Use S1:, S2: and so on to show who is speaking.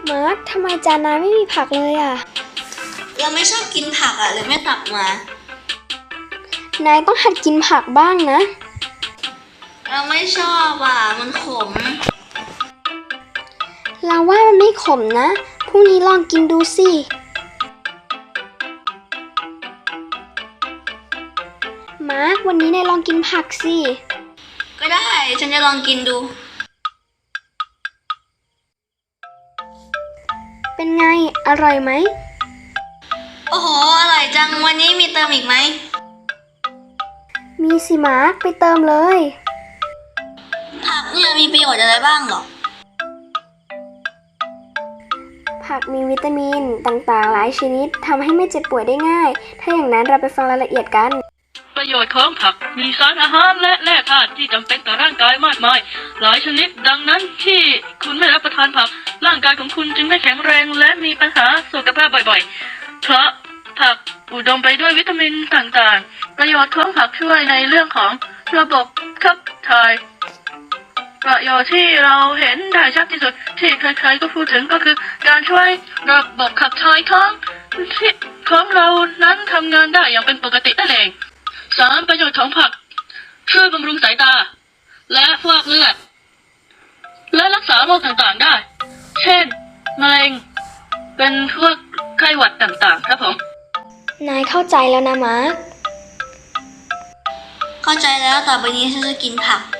S1: มาร์คทำไมจานนายไม่มีผักเลยอ่ะ
S2: เราไม่ชอบกินผักอ่ะเลยไม่ตักมา
S1: นายต้องหัดกินผักบ้างนะ
S2: เราไม่ชอบอ่ะมันขม
S1: เราว่ามันไม่ขมนะพรุ่งนี้ลองกินดูสิมาร์ควันนี้นายลองกินผักสิ
S2: ก็ได้ฉันจะลองกินดู
S1: เป็นไงอร่อยไหม
S2: โอ้โหอร่อยจังวันนี้มีเติมอีกไหม
S1: มีสิมาร์คไปเติมเลย
S2: ผักเนี่ยมีประโยชน์อะไรบ้างหรอ
S1: ผักมีวิตามินต่างๆหลายชนิดทำให้ไม่เจ็บป่วยได้ง่ายถ้าอย่างนั้นเราไปฟังรายละเอียดกัน
S3: ประโยชน์ของผักมีสารอาหารและแร่ธาตุที่จำเป็นต่อร่างกายมากมายหลายชนิดดังนั้นที่คุณไม่รับประทานผักร่างกายของคุณจึงไม่แข็งแรงและมีปัญหาสุขภาพบ่อยๆเพราะผักอุดมไปด้วยวิตามินต่างๆประโยชน์ของผักช่วยในเรื่องของระบบขับถ่ายประโยชน์ที่เราเห็นได้ชัดที่สุดที่ใครๆก็พูดถึงก็คือการช่วยระบบขับถ่ายของเรานั้นทำงานได้อย่างเป็นปกตินั่นเอง3ประโยชน์ของผักช่วยบำรุงสายตาและฟอกเลือดและรักษาโรคต่างๆได้เช่นมะเร็งเป็นพวกไข้หวัดต่างๆครับผม
S1: นายเข้าใจแล้วนะมาร์ค
S2: เข้าใจแล้วต่อไปนี้ฉันจะกินผัก